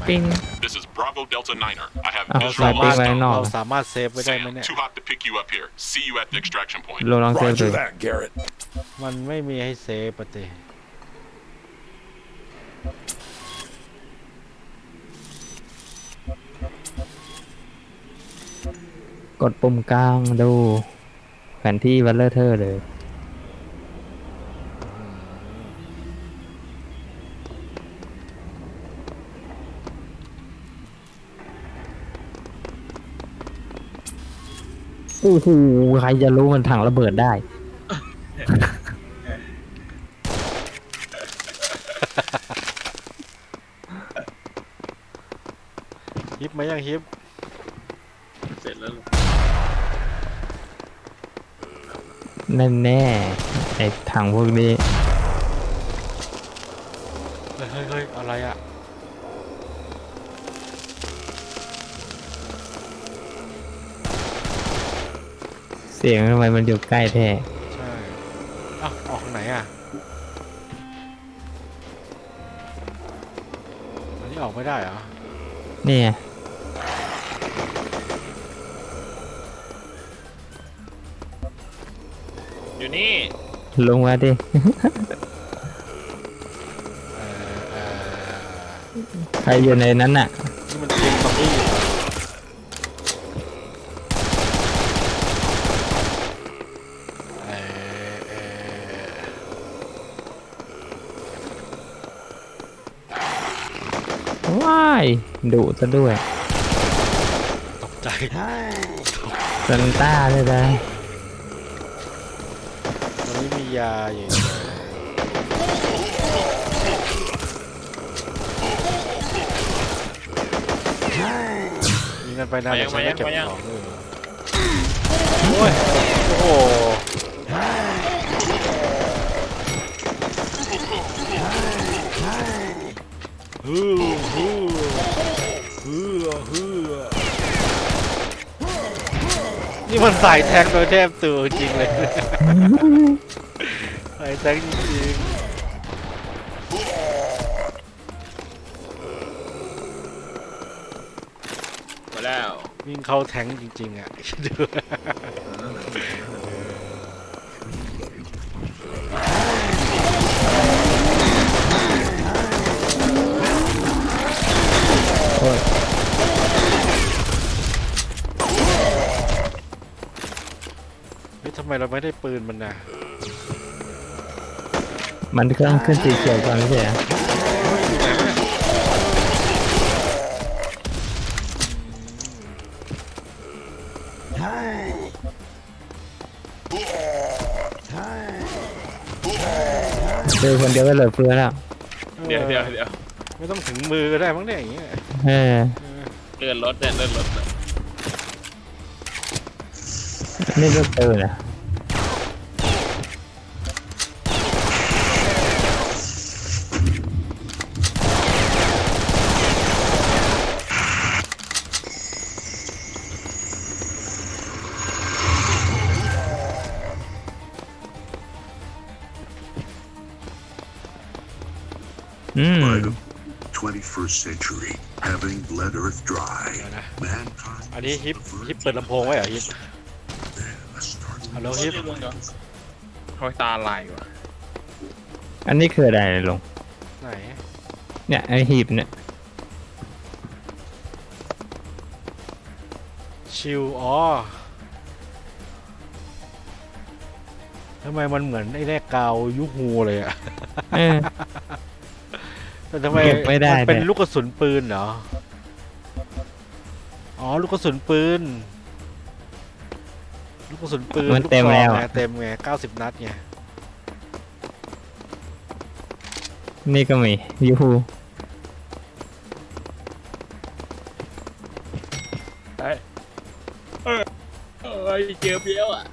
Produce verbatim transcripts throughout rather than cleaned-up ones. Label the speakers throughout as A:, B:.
A: ปิ้ง
B: This is Bravo Delta Niner. I have
A: อ่ะ
B: visual
A: สายปิ้ง
B: on
A: ไว้ข้างนอก
C: เราสามารถเซฟไว้ได้ไหม
B: Sam,
C: เนี่ย
B: too hot to pick you up here. See you at the extraction point.
A: ลงลองเซฟดู
D: Roger that, Garrett.
C: มันไม่มีให้เซฟปะเต
A: กดปุ่มกลางดูแผนที่วัลเลอร์เทอร์เลยโอ้โหใครจะรู้มันถังระเบิดได้
C: ฮิปไหมยังฮิป
E: เสร็จแล้ว
A: แน่แน่ๆไอ้ถังพวกนี้
C: เฮ้ยเฮ้ยเฮ้ยอะไรอ่ะ
A: เสียงทำไมมันอยู่ใกล้แท้
C: ใช่อ้าวออกทางไหนอ่ะอันนี้ออกไม่ได้เหรอ
A: นี่ไง
E: อยู่นี่
A: ลงมาดิ
C: เอ่อเอ่อ
A: ใครอยู่ในนั้นน่ะ
C: นี่มันเป็นซอมบี้เอ่อเอ่อ
A: ว้ายดุซะด้วย
C: ตกใจ
A: ซันต้าเลยนะ
C: ตอนนี้มียาอยู่ยิงกันไปนะเดี๋ยวฉันไม่เก็บของเลยโอ้ยโอ้โหฮือฮือฮือฮือนี่มันสายแทงโดยแทบตัวจริงเลย สายแทงจริง
E: มาแล้ว
C: ๆวิ่งเข้าแทงจริงๆอ่ะดู
A: โอ้ย
C: เฮ้ยทำไมเราไม่ได้ปืนมันน่ะ
A: มันเครื่องขึ้นสีเขียวก่อนไม่ใช่เหรอเจอคนเดียวก็เหลือเฟือแล้ว
E: เดี๋ยวเดี๋ยวเดี๋ยว
C: ไม่ต้องถึงมือก็ได้มั้งเนี่ยอย่างเงี้ย
A: เออ
E: เลื่อนรถเนี่ยเลื่อนรถเนี่ย
A: นี่ก็เจอนะอืม
F: By the twenty-first century, having bled Earth dry,
C: เดี๋ยวนะ
F: mankind
C: อันนี้
F: was
C: ฮิป
F: the first
C: ฮิปเปิดลำโพงไว้เหรอฮิป
F: then a startling
C: ฮัลโหลฮิป
E: คอยตาลายว่ะ
A: อันนี้คืออะไรลง
C: ไหน
A: เนี่ยไอหีบเนี่ย
C: ชิวอ๋อทำไมมันเหมือนไอ้แรกกาวยุฮูเลยอะ
A: เออ
C: แต่ทำไม
A: เก็บไม่ได้
C: มันเป็น
A: เนี่ย
C: ลูกกระสุนปืนเหรอ อ๋อลูกกระสุนปืน ลูกกระสุนปืน
A: มัน
C: ลูก
A: เต็ม
C: ซอง
A: แล้ว
C: ไง
A: อะ
C: เต็มไงเก้าสิบนัดไง
A: นี่ก็มียูฮู
E: เอ้ยเอ้ยเจอเบี้ยวอ่ะ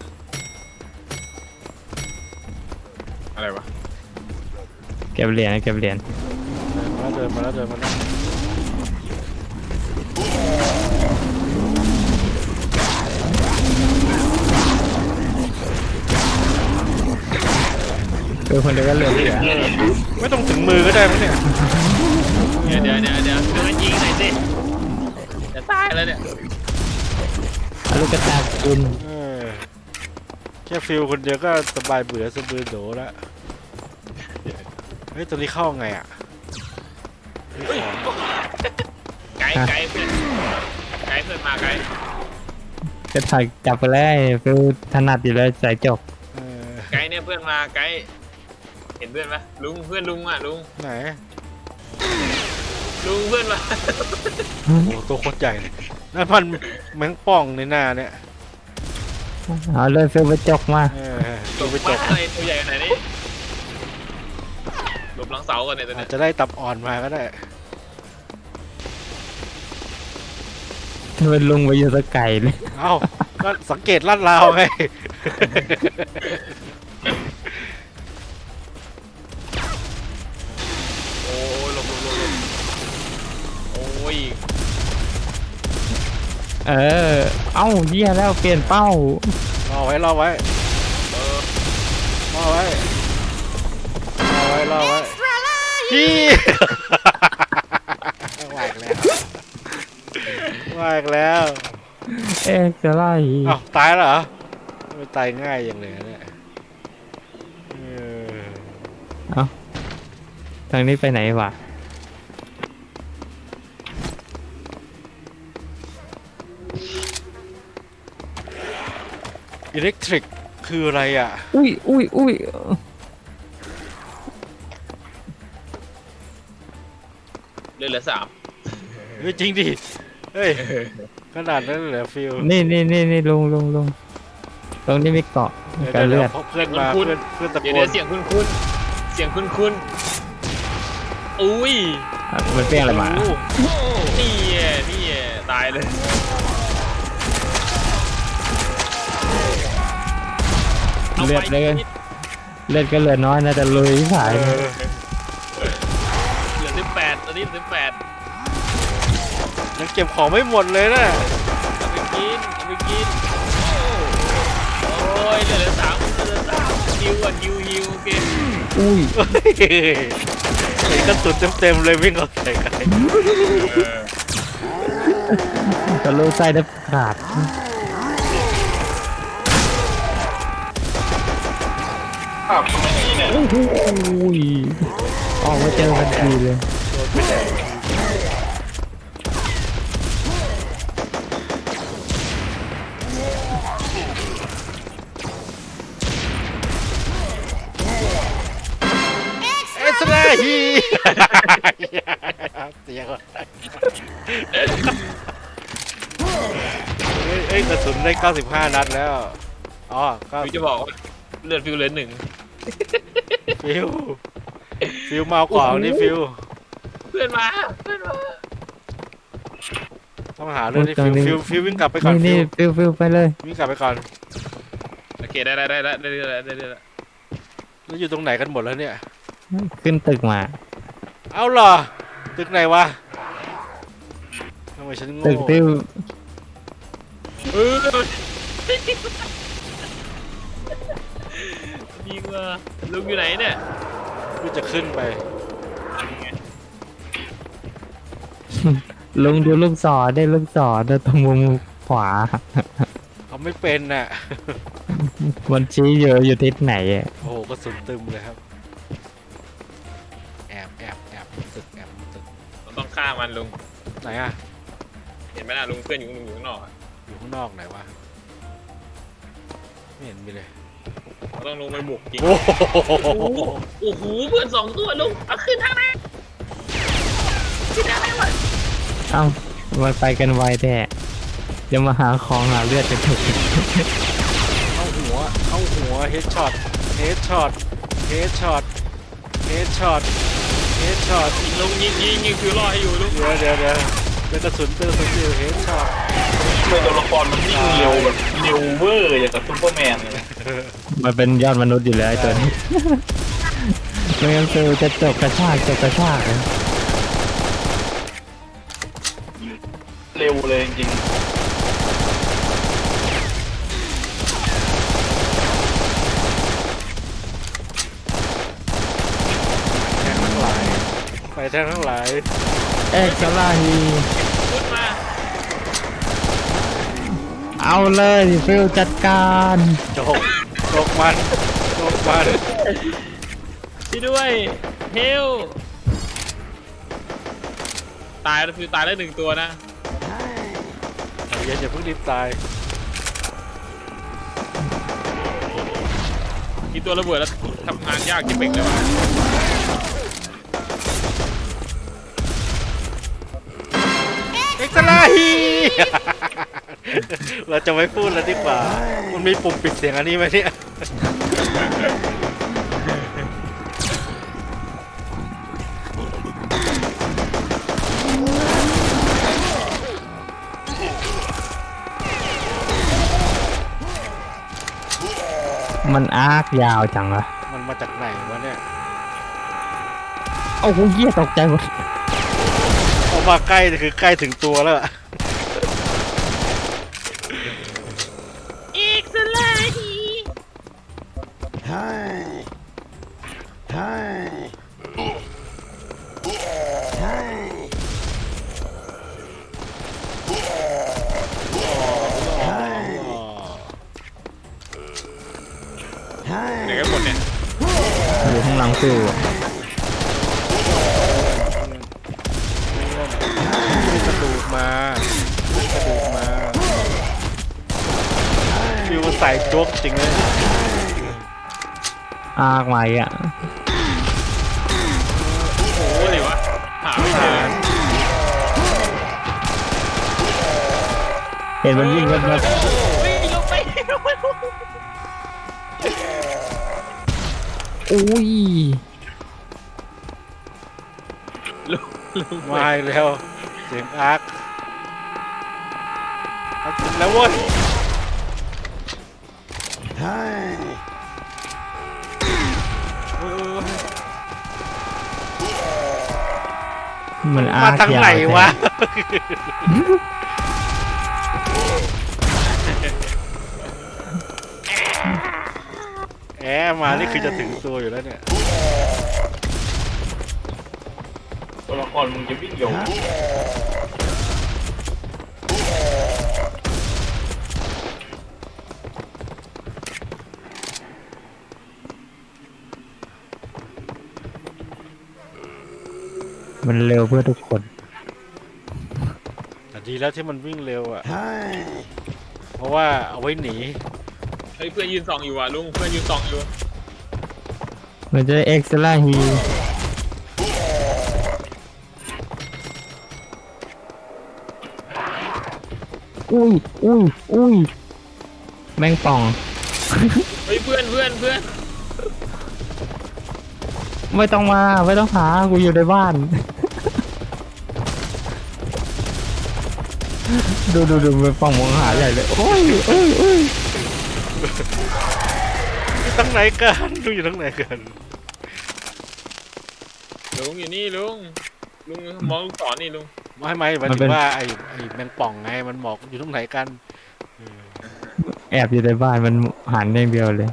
E: อะไรวะ
A: เก็บเหรียญเก็บเหรียญ
C: เดินมาแล้วเดินมาแล้วเดินมาแล้ว
A: เจอคนเดียวก็เหลือเฟือ
C: ไม่ต้องถึงมือก็ได้มั้งเนี่ย
E: เดี๋ยวเดี๋ยวเดี๋ยวเดี๋ยวเดี๋ยวยิงไหนจะตายแล้วเนี่ย
A: เอาลูกกระตากกิน
C: เออแค่ฟิลคนเดียวก็สบายเบื่อสบือโดแล้วเฮ้ยตัวนี้เข้าไงอ่ะนี่ของ
E: ไกด์ไกด์เพื่อนไกด์เพื่อนมาไกด์
A: กระตากจับไปเลยฟิวถนัดอยู่แล้วสายจบ
C: เออ
E: ไกด์เนี่ยเพื่อนมาไกด์เห็นเพื่อนไหมลุงเพื่อนลุงอ่ะลุง
C: ไหน
E: ลุงเพื่อนมา
C: โอ้โหตัวโคตรใหญ่เลยนั่นมันแมงป่องในหน้าเนี่ย
A: เอาเลยฟิวไปจกมา
C: เออตัวไปจ
E: บ้า
C: บ
E: อะไรตัวใหญ่ขนาดนี้หลบหลังเสาก่อนเนี่ยตัว
C: อา
E: เนี้
C: จ
E: ย
C: จะได้ตับอ่อนมาก็ได้
A: เป็นลุงไปอยู่ตะไก่เลย
C: เอ้าก็สังเกตลาดราวไง
E: โอ้ยหลบหลบหลบหลบโอ้ย
A: เออ เอ้าเยี่ยแล้วเปลี่ยนเป้าร
C: อไว้รอไว้
E: เออ
C: รอไว้รอไว้รอไว้พี่ว่าอีกแล้วว่าอีกแล้ว
A: เอ๊ะจะไล่
C: เอ้าตายแล้วเหรอไม่ตายง่ายอย่างเลยเนี่ยเออ
A: เอ้าทางนี้ไปไหนวะ
C: อิเล็กทริกคืออะไรอ่ะ
A: อุ้ยอุ้ยอุ้ย
E: เลือดเหลือสาม
C: เฮ้ยจริงดิ เฮ้ยขนาดนั้นเลยเหรอฟิล
A: นี่นี่นี่นี่ลุงลุงลุงตรงนี้มีเกาะ
C: เดี๋ยว
A: กัน
C: เดี๋
A: เลื
C: ยว
A: อด
C: เพื่อนมาเพื่อนเพื่อนตะโก
E: เดี๋ยวน เดี๋ยวเสียงคุ้นคุ้นๆเสียงคุ้นคุ้นๆอุ้ย
A: อ่ะมันเปรี้ยงอะไรมา
E: โโหนี่ไงนี่ไงตายเลย
A: เลือดเลยเลือดก็เหลือน้อยนะแต่ลุยสาย
C: เอ
A: นะ
C: อ
E: เหลือสิบแปดตอนนี้เหลือสิบแปด
C: ยังเก็บของไม่หมดเลยนะ
E: เอาไปกินเอาไปกินโอ้ยเหลือเหลือสามเหลือสามฮิวอ่ะฮิวฮิวโอเค
A: อุ้ย
C: เฮ้ยใส่กระสุนเต็มๆเลยวิ่งเข้าใส่กัน
A: ทะลุไส้ได้ขาดโอ้โหออกมาเจอกันทีเลย
C: เอสราฮีเสียก่อนเอ้ยเอ้ยกระสุนได้เก้าสิบห้านัดแล้วอ๋อก็
E: ฟิวจะบอกว่าเลือดฟิวเหลือหนึ่ง
C: ฟิวฟิวเมากว่านี่ฟิว
E: เพื่อนมาเพื่อนมา
C: ต้องหาเรื่องที่ฟิวฟิวฟิววิ่งกลับไปก่อน
A: นี่
C: ฟิ
A: นี่
C: ว
A: ฟิวฟิวไปเลย
C: วิ่งกลับไปก่อน
E: โอเคได้ได้ได้ได้ได้ได้ได้ได้ได้
C: แล้วอยู่ตรงไหนกันหมดแล้วเนี่ย
A: ขึ้นตึกมา
C: เอาเหรอตึกไหนวะทำไมฉันโง่
A: ตึกที่
E: เออดีกว่าลุงอยู่ไหนเนี่ย
C: กูจะขึ้นไป
A: ลุงดูลูกศรได้ลูกศรได้ตรงมุมขวา
C: เขาไม่เป็นน่ะ
A: มันชี้อยู่อยู่ทิศไหนอะ
C: โอ้โหกระสุนตึมเลยครับ แอบแอบแอบตึกแอบตึก
E: เราต้องฆ่ามันลุง
C: ไหนอ่ะ
E: เห็นไหมล่ะลุงเพื่อนอยู่ลุงอยู่ข้างนอกอะ
C: อยู่ข้างนอกไหนวะ ไม่เห็นมีเลย
E: เราต้องลงไปบุกจริง
C: โอ้โห
E: โอ้โหโอ้โหเพื่อนสองตัวลุงเอาขึ้นทางไหนขึ้นทางไหนวะ
A: เอ้ามันไปกันไวแท้เดี๋ยวมาหาของหาเลือดกันเถอะ
C: เข้าหัว เข้าหัว เฮดช็อต เฮดช็อต เฮดช็อต เฮดช็อต เฮดช็อต
E: ลุงยิงยิงยิงคือรอให้อยู่ลุง
C: เดี๋ยวเดี๋ยวเดี๋ยวเป็นกระสุนเตือนกระสุนอยู่เฮดช็อต
E: เป็นตัวละครมันวิ่งเร็วแบบเร็วเวอร์อย่างกับซุปเปอร์แมนเลย
A: มันเป็นยอดมนุษย์อยู่แล้วไอ้ตัวนี้ ไม่งั้นฟิวจะจบกระชากจบกระชากเลย
E: เร็วเลยจริง
C: แทงทั้งหลาย ไปแทงทั้งหลาย
A: เอ็กซ์ลาฮี
E: ขึ้นมา
A: เอาเลยฟิลจัดการ
C: โจกโจกมันโจกมัน
E: ช่วยด้วยเฮลตายแล้วฟิวตายแล้วหนึ่งตัวนะ
C: ใจเย็นอย่าเพิ่งรีบตาย
E: กินตัวระเบิดแล้วทำงานยากจิ๋เป่งเลยวะ
C: เอ็กซ์ไลฮี เราจะไม่พูดแล้วดีกว่า มันมีปุ่มปิดเสียงอันนี้ไหมเนี่ย
A: มันอาร์คยาวจังวะ
C: มันมาจากไหนวะเนี่ย
A: โอ้โหเหี้ยตกใจหมด
C: ออกมาใกล้คือใกล้ถึงตัวแล้วอะ
E: อีกสลาฮี ไหนกันหมดเนี่ย
A: อยู่ข้างหลังฟิล
C: มีกระดูกมามีกระดูกมาฟิวมันใส่โจ๊กจริงเลย
A: อาร์คมาอ่ะ
E: โอ้โหเลยวะหาไม่เจอ
A: เห็นมันวิ่งกันมา
E: วิ่งลงไปลงไป
A: อุ้ย
E: ลงลงไป
C: มาอีกแล้วเสียงอาร์คอาร์คถึงแล้วเว้ย
A: มันอา
C: มา
A: ร์ค
C: ทาง
A: ยาว
C: ไหนวะ แอบมานี่คือจะถึงตัวอยู่แล้วเนี่ย
E: ตัวละครมึงจะวิ่งโยง
A: มันเร็วเพื่อทุกคน
C: แต่ดีแล้วที่มันวิ่งเร็วอ่ะ เพราะว่าเอาไว้หนี
E: เฮ้ยเพื่อนยืนส่องอยู่ว่ะลุงเพื่อนยืนส่องอยู่
A: มันจะเอ็กซ์ลาฮีอุ้ยอุ้ยอุ้ยแมงป่อง
E: เฮ้ยเพื่อนเพื่อนเพื่อน
A: ไม่ต้องมาไม่ต้องหากูอยู่ในบ้าน ดูดูดูแมงป่องมองหาใหญ่เลยโอ้ยโอ้ยโอ้ย
C: อยู่ทั้งไหนกันดูอยู่ทั้งไหนกัน
E: ลุงอยู่นี่ลุงลุงมองลูกศรนี่ลุง
C: ไม่ไม่หมายถึงว่าไอ้ไอ้แมงป่องไงมันบอกอยู่ตรงไหนกัน
A: แอบอยู่ในบ้านมันหันอย่างเดียวเลย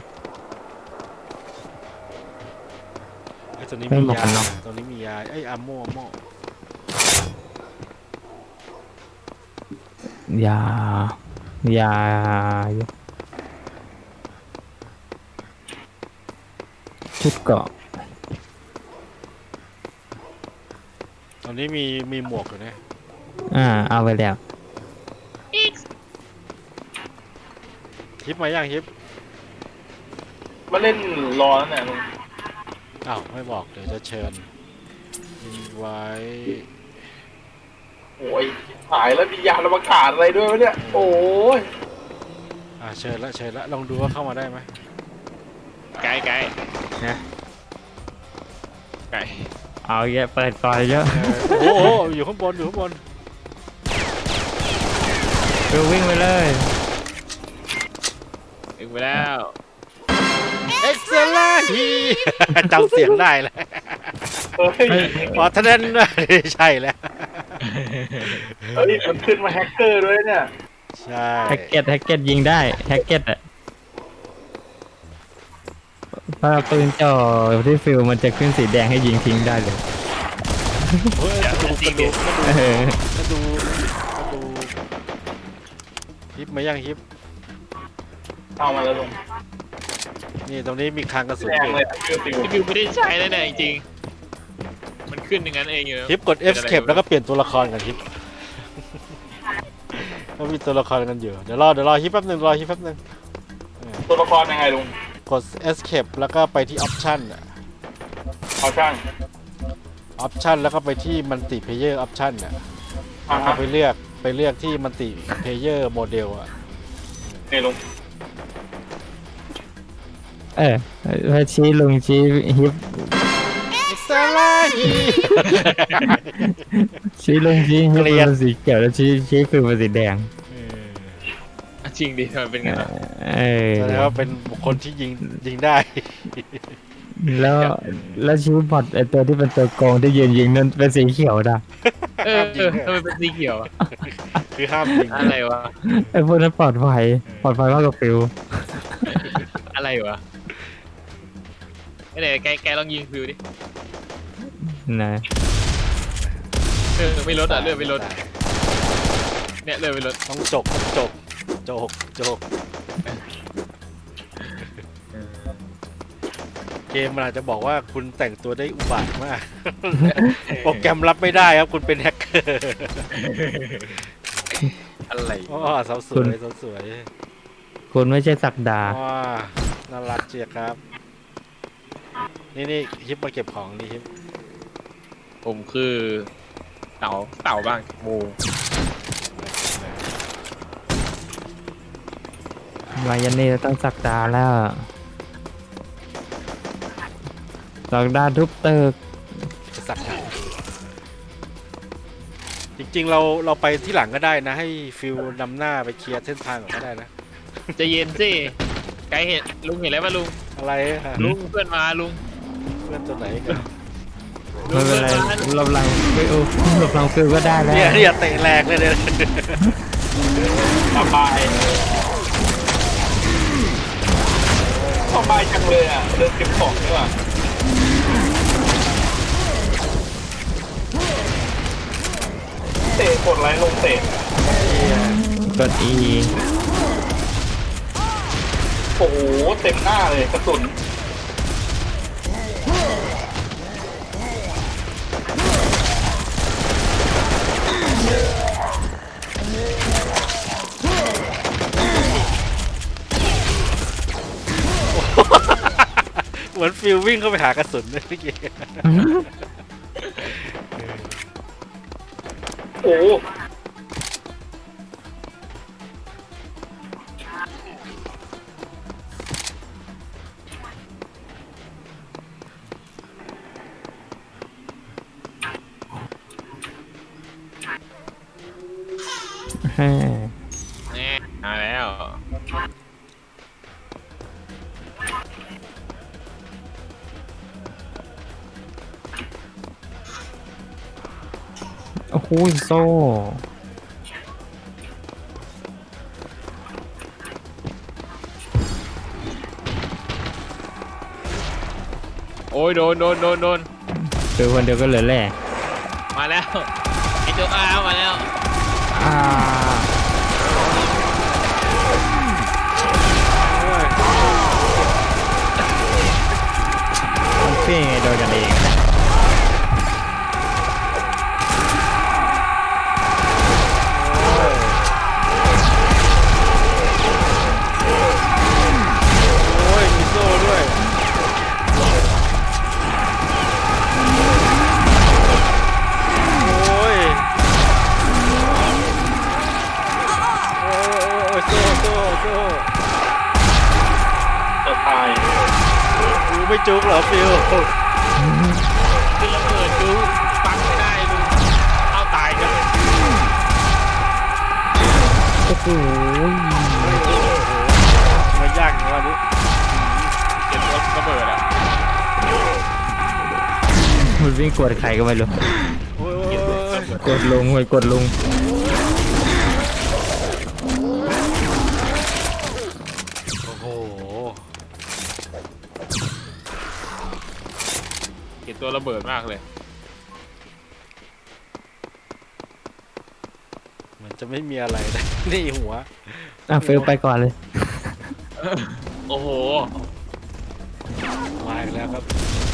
C: ไอ้ตัวนี้
A: ไม่
C: มี
A: บอก
C: ยา
A: กันเนอะ
C: ตัวนี้มียาไอ้ยอาโม่อาโม่
A: อย่าอย่าชุดเกาะ
C: ตอนนี้มีมีหมวกอยู่นะ
A: อ่าเอาไปแล้ว
C: ฮิปมาย่างฮิป
E: มาเล่นรอแล้วเนี่ยลุง
C: อ้าวไม่บอกเดี๋ยวจะเชิญอินไว้
D: โอ้ยหายแล้วมียานอวกาศอะไรด้วยวะเนี่ย โอ้ย
C: อ่าเชิญละเชิญละลองดูว่าเข้ามาได้ไหม
E: ไกลไกล
A: นะ
E: ไกล
A: เอาเยอะเปิดก่อนเยอะ
C: เออโอ้โหอยู่ข้างบนอยู่ข้างบน
A: ดูวิ่งไปเลย
E: ถึงไปแล้ว
C: เอ็กซ์ลาฮี จำเสียงได้แล้ว
D: เฮ้ย
C: พอท่านั้นใช่แล้ว
D: เฮ้ยมันขึ้นมาแฮกเกอร์ด้วยเนี่ย
C: ใช่
A: แฮกเก็ตแฮกเก็ตยิงได้แฮกเก็ตอะพอปืนจ่อที่ฟิลมันจะขึ้นสีแดงให้ยิงทิ้งได้เลย
C: เฮ้ยกระดูกกระดูกกระดูก
A: เออก
C: ระดูกกระดูกฮิปมายังฮิป
D: เอามาแล้วลุง
C: นี่ตรงนี้มีคลังกระสุน
D: แร
C: อง ยู่
D: เลยอะชื่อฟิว
E: พี่ฟิวไม่ได้ใช้แล้วเนี่ยจริงๆมันขึ้นอย่างนั้นเองอยู่นะ
C: ฮิปกด escape แล้วก็เปลี่ยนตัวละครกันฮิปก็มีตัวละครกันอยู่เดี๋ยวรอเดี๋ยวรอฮิปแป๊บนึงรอฮิปแป๊บนึง
D: ตัวละครยังไงลุง
C: กด escape แล้วก็ไปที่ option อะ
D: เอาช่าง
C: option แล้วก็ไปที่ multi player option อ่ะ
D: อ่า
C: เอา
D: ฮะ
C: ไปเลือกไปเลือกที่ multi player model อ่ะ
D: นี่ลุง
A: เออพอชี้ลงชี้ฮิป
C: สลาย
A: ชี้ลงชี้ฮิป
C: เกลียด
A: เป็นสีเขียวแล้วชี้ชี้ฟิวเป็นสีแดง
E: อ่ะจริงดิทำไมเป็นงั้นอ่ะ
A: เออ
C: แสดงว่าเป็นบุคคลที่ยิงยิงได้
A: แล้วแล้วชี้บอดไอตัวที่เป็นตัวโกงที่ยืนยิงนั่นเป็นสีเขียวนะ
E: เออเออทำไมเป็นสีเขียวอะ
C: คือห้ามยิง
E: อะไรวะ
A: ไอพวกนั้นปลอดภัยปลอดภัยมากกว่าฟิว
E: อะไรวะไอ้ไหนแกแกลองยิงฟิวดิ
A: นะ
E: เออไม่ลดอ่ะเลือดไม่ลดเนี่ยเลือดไม่ลด
C: ต้องจกจกจกจกเกมมันอาจจะบอกว่าคุณแต่งตัวได้อุบาทมาก โปรแกรมรับไม่ได้ครับคุณเป็นแฮกเกอร์
E: อะไร
C: อ๋อสาวสวยสาวสวย
A: คุณไม่ใช่สักดา
C: อ๋อน่ารักเจียครับ นี่นี่ฮิปมาเก็บของนี่ฮิป
E: ผมคือเต่าเต่าบ้างโม
A: มายันนี่ต้องสักดาแล้วสักดาทุบตึก
C: จะสักหางจริงๆเราเราไปที่หลังก็ได้นะ ให้ฟิลนำหน้าไปเคลียร์เส้นทางก่อนก็ได้นะ
E: ใจะเย็นสิไกด์เห็นลุงเห็นแล้วป่ะลุง
C: อะไรฮะ
E: ลุงเพื่อนมาลุง
C: เพื่อนตัวไหนกัน
A: ไม่เป็นไรหลบหลังฟิวหลบหลังฟิวก็ได้แล้ว
C: เนี่ยเนี่ยเตะแรงเลยเนี่ย
D: สบายสบายจังเลยอ่ะเดินเก็บของดีกว่าเตะกดไลค์ลงเตะ
A: กด E
D: โอ้โหเต็มหน้าเลยกระสุน
C: เหมือนฟิลวิ่งเข้าไปหากระสุนเลยเมื่อกี้
D: โอ้โห
A: แฮ่
E: แน่มาแล้ว
A: โอ้โหโซ่
E: โอ้ยโดนโดนโดนโดน
A: ฟิวคนเดียวก็เหลือแหล่
E: มาแล้วไอ้โจ๊กอาร์มาแล้ว
A: อ่ามันเพ่งไงโดนกันเอง
C: โอ้ยมีโซ่ด้วยโอ้ยโอ้ยโซ่โซ่โซ่
D: จะตาย
C: ฟิวไม่จุกเหรอฟิว
E: คือระเบิดดูปังไม่ได้ลุงเอาตายกัน
A: โอ้โห
C: มายากอย่างวันนี้
E: เก็บตัวระเบิดอ่ะ
A: มันวิ่งกดใครก็ไม่รู้
C: โอ้ยโอ้ยโอ้ย
A: กดลงไปกดลง
C: โอ้โห
E: เก็บตัวระเบิดมากเลย
C: เหมือนจะไม่มีอะไรนะ นี่หัว
A: อ่ะเฟลไปก่อนเลย
E: โอ้โห
C: มาอีกแล้วครับ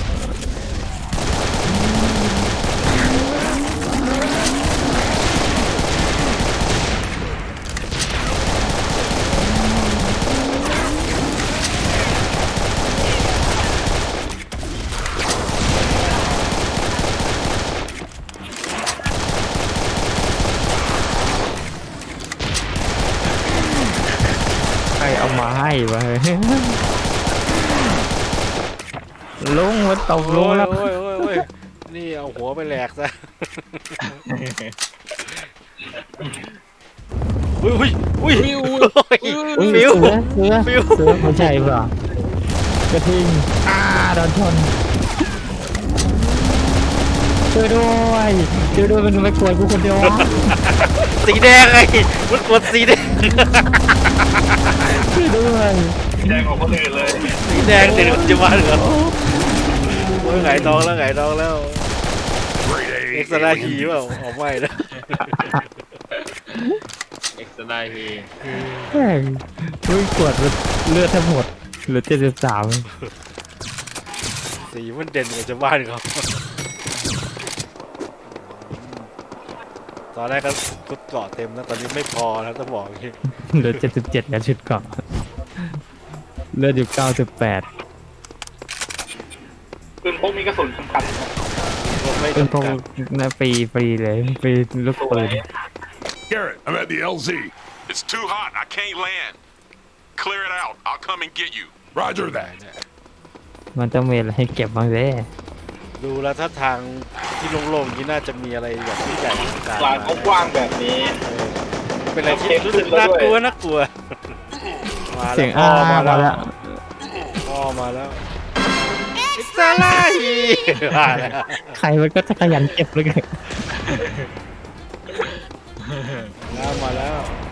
A: ใครเอามาให้วะ ลุงมันตกล
C: โอ้
A: ง
C: ย
A: แล้ว
C: โอ้ยโอ้ยโอ้ยนี่เอาหัวไปแหลกซะอุ้ยอุ้ยอุ้ย
E: ฟิว
A: อุ้ย
C: ฟิว
A: เสือเสือ
C: ฟิว
A: เสือไม่ใช่เปล่ากระทิงอ่าโดนชนช่วยด้วยช่วยด้วยมันไม่กลัวกูคนเดียววะ
C: สีแดงไงมันกดสีแดง
A: ช่วยด้วย
D: แดงของคนอื่นเลย
C: สีแดงเด็กจะมาเหรอโอ้ยไงายท้องแล้วไงายท้องแล้ว
F: Grade
C: เอ็ก
F: A
C: ซ์ตร้าฮี
F: alien.
C: เปล่าออกไม่นะ
E: เอ็กซ์ไดฮี
A: แม่งอุ้ยกวดเลือดแทบหมดเหลือเจ็ดสิบสาม
C: สีมันเด่นกว่าชาวบ้านเขาตอนแรกก็ชุดเกาะเต็มนะตอนนี้ไม่พอแล้วต้องบอกอย่างนี้
A: เหลือเจ็ดสิบเจ็ดแล้วชุดเกาะเลือดอยู่เก้าสิบแปด
D: ปืนพกมีกระสุนสำคัญนะ
C: รถไม่
A: เป็นพว
C: จำ
A: ก
C: กัด
A: นะฟรีฟรีเลยฟรีลูกปืน
F: Garrett, I'm at the L Z.
B: It's too hot. I can't land. Clear it out. I'll come and get you.
F: Roger that.
A: มันต้องมีอะไรให้เก็บบ้างเด้
C: ดูแล้วถ้าทางที่โล่งๆนี้น่าจะมีอะไรแบบที่ใหญ่อลังการ
D: ลานเขากว้างแบบนี้
C: เป็นอะไรที่รู้สึกน่ากลัวน่ากลัวมา
A: เสี
C: แล้
A: ยว ง
C: พ่
A: อ้า
C: อมา
A: มา
C: แล้
A: แล้ว ว
C: พ่อมาแล้วอิสลาฮีมาแล้ว
A: ใครมันก็จะขยันเก็บเลยกัน
C: แล้วมาแล้ว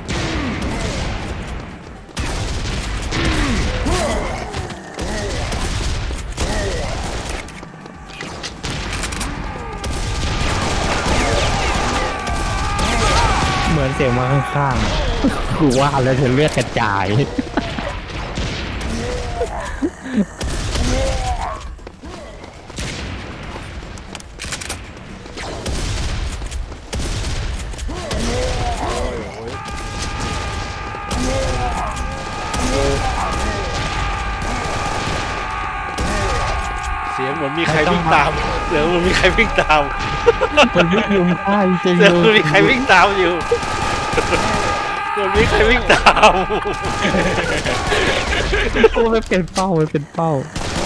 A: เหมือนเสียงมาข้างๆกูว่าแล้วเธอเลือดกระจาย
C: เสียงเหมือนมีใครวิ่งตามเสียงเหมือนมีใครวิ่งตาม
A: มันวิ่งลุมฆ่าจริง
C: เสียงเหมือนมีใครวิ่งตามอยู่เหมือนมีใครวิ่งตาม
A: กูไม่เป็นเป้าไม่เป็นเป้า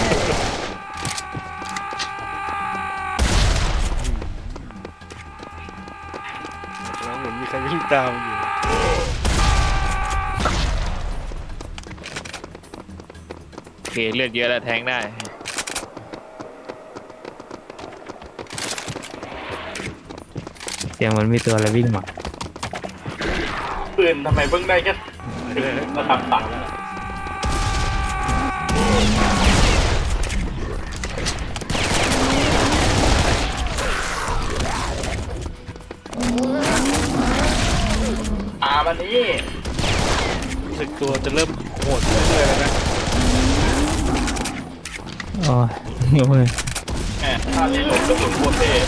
C: แล้วเหมือนมีใครวิ่งตามอยู่
E: โอเคเลือดเยอะแล้วแทงได้
A: เสียงมันมีตัวอะไรวิ่งมา
D: ปืนทำไมเพิ่งได้แค่ระดับต่ำอามันนี้
C: รู้สึกตัวจะเริ่มโหดเรื่อยๆแล้วนะ
A: โอ้ยโอ้ย
D: แหมท่านี้หลบกระสุนโคตรเท่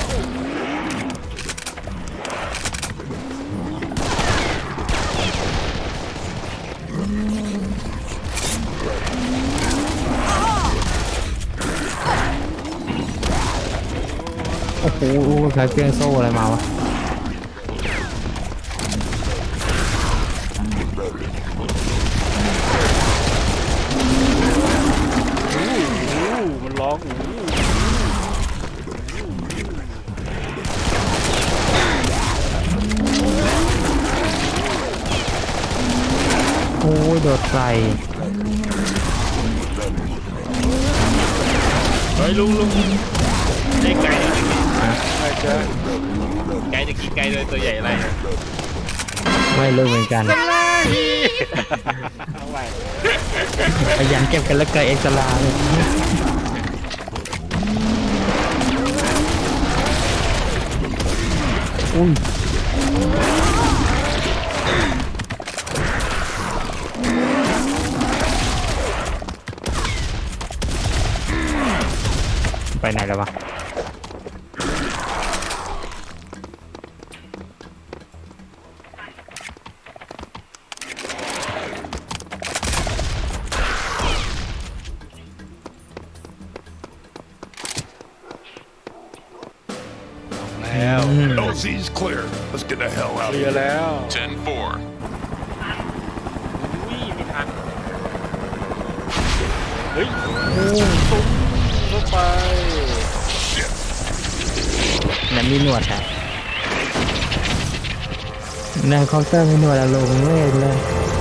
A: โอ้โหใช้เครื่องโซ่อะไรมาวะ
C: อู้มันร้องอู้
A: โอ้ยโดดใส่
E: เฮ้ยลุงลุงได้ไกล
C: ใช่จ้ะ
E: ไกลจะกี่ไกลเลยตัวใหญ่อะไร
A: ไม่รู้เหมือนกัน
C: เอาไว้
A: ขยันเก็บกันแล้วเกิดเอ็กซ์ลาเลยอุ้ยไปไหนแล้ววะ
C: แล้ว
A: อืม
F: L Z's clear. Let's get the hell out
C: เค
F: of
C: ลีย
F: here.
C: ร์แล้ว
B: ten four.
E: วิ่งไม่ทัน
C: เฮ้ยตุ้มเข้าไป
A: นั่นมีหนวดอะนั่นเคาน์เตอร์มีหนวดอะลงเล่นเลย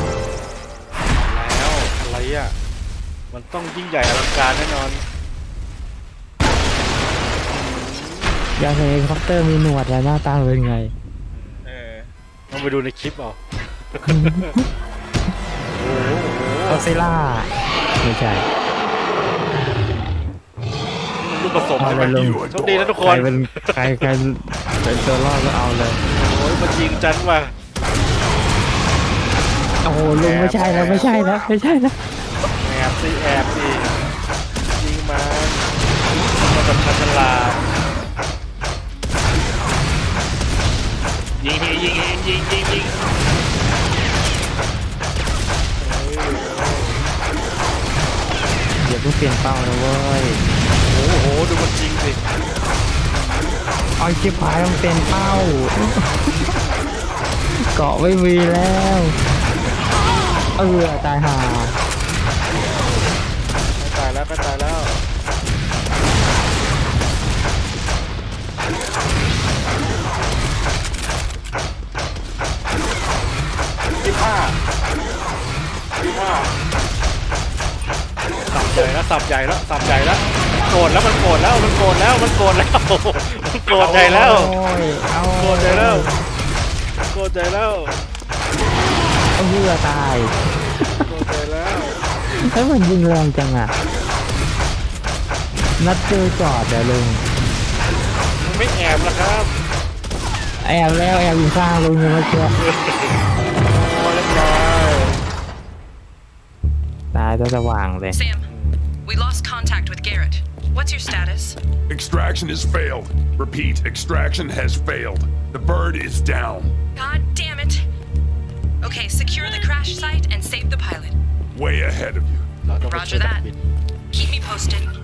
C: แล้วอะไรอ่ะมันต้องยิ่งใหญ่อลังการแน่นอน
A: อยากเห็นเฮลิคอปเตอร์มีหนวดแล้วหน้าตาเป็นไง
E: เออ
C: ต้องไปดูในคลิปเอา
A: กอซิล่าไม่ใช่
C: ลูกผสม
A: เอา
C: ใช่ไหม
A: เลยลง
C: โชคดีนะทุกค
A: ใคร
C: น
A: เป็นใครใครเป็นตัวรอดก็เอาเลย
C: โอ้ยมันยิงจันว่ะ
A: โอ้โหลุงไม่ใช่แล้วไม่ใช่แล้วไม่ใช่แล้ว
C: แอบสิแอบสิยิงมันมันแบบฉลาด
E: ยิงยิงยิงยิงยิงยิง
A: อย่าเพิ่งเปลี่ยนเป้านะเว้ย
C: โอ้โหดูมันยิงสิ
A: เอาชิบหายมันเป็นเป้า เกาะไม่มีแล้วเออตายห่า
C: ตายแล้วก็ตายแล้วที่ห้าที่ห้าสับใหญ่แล้วสับใหญ่แล้วสับใหญ่แล้วโกรธแล้วมันโกรธแล้วมันโกรธแล้วมันโกรธแล้วมันโกรธใหญ่แล้ว
A: โอ้ยเอา
C: โกรธใหญ่แล้วโกรธใหญ่แล้ว
A: เอาเรือตาย
C: โกรธใหญ่แล้ว
A: แล้วมันยิงแรงจังอ่ะนัดเจอจอดเดี๋ยวลุง
C: มันไม่แอบแล้วครับ
A: แอบแล้วแอบอยู่ข้างลุงยังไม่เชื่อ
C: โอ้เรียบร้อย
A: ตายจะสว่างเลย
G: Sam, we lost contact with Garrett. What's your status?
F: Extraction has failed. Repeat, extraction has failed. The bird is down.
G: God damn it. Okay, secure the crash site and save the pilot.
F: Way ahead of you.
C: เราต้องไปช่วย
G: Roger
C: นัก
G: that.
C: บิน
G: Keep me posted.